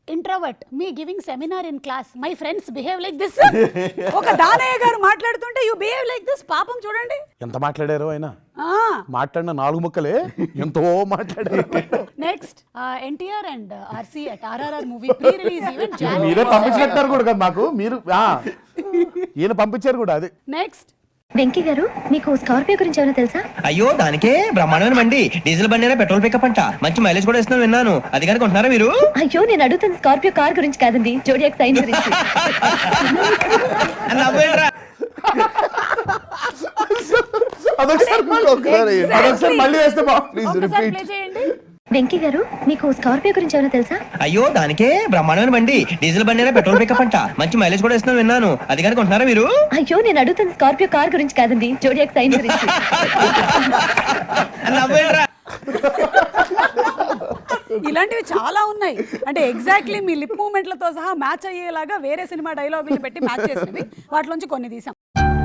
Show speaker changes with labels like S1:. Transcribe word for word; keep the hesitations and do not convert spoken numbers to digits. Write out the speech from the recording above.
S1: Introvert me giving seminar in class my friends behave like this. ఒక దానయ్య గారు మాట్లాడుతుంటే you behave like this. పాపం చూడండి
S2: ఎంత మాట్లాడారు ఆయన.
S1: ఆ
S2: మాట్లాడిన నాలుగు ముక్కలే ఎంతో మాట్లాడారు.
S1: Next NTR and RC at RRR movie pre release event.
S2: మీరే పంపించినట్టారు కూడా కదా మాకు. మీరు ఈయన పంపించారు కూడా. అది
S1: నెక్స్ట్
S3: వెంకీ గారు, మీకు స్కార్పియో గురించి ఏమైనా తెలుసా?
S4: అయ్యో దానికే బ్రహ్మాండమైన బండి, డీజిల్ బండి అయినా పెట్రోల్ పికప్ అంట, మంచి మైలేజ్ కూడా ఇస్తున్నాను విన్నాను. అది కానీ కొంటున్నారా మీరు?
S3: అయ్యో నేను అడుగుతున్న స్కార్పియో కార్ గురించి కాదండి, జోడియాక్ సైన్ గురించి.
S2: అదొకసారి మళ్ళీ వేస్తే
S1: ప్లే చేయండి.
S3: వెంకీ గారు, మీకు స్కార్పియో గురించి ఏమైనా తెలుసా?
S4: అయ్యో దానికే బ్రహ్మాండమైన బండి, డీజిల్ బండి అయినా పెట్రోల్ పికప్ అంట, మంచి మైలేజ్ కూడా ఇస్తున్నాను విన్నాను. అది కానీ కొంటున్నారా మీరు?
S3: అయ్యో నేను అడుగుతున్న స్కార్పియో కార్ గురించి కాదండి, జోడియాక్ సైన్ గురించి.
S1: ఇలాంటివి చాలా ఉన్నాయి. అంటే ఎగ్జాక్ట్లీ మీ లిప్ మూమెంట్లతో సహా మ్యాచ్ అయ్యేలాగా వేరే సినిమా డైలాగులు పెట్టి మ్యాచ్ చేసినవి, వాటిలోంచి కొన్ని తీసాం.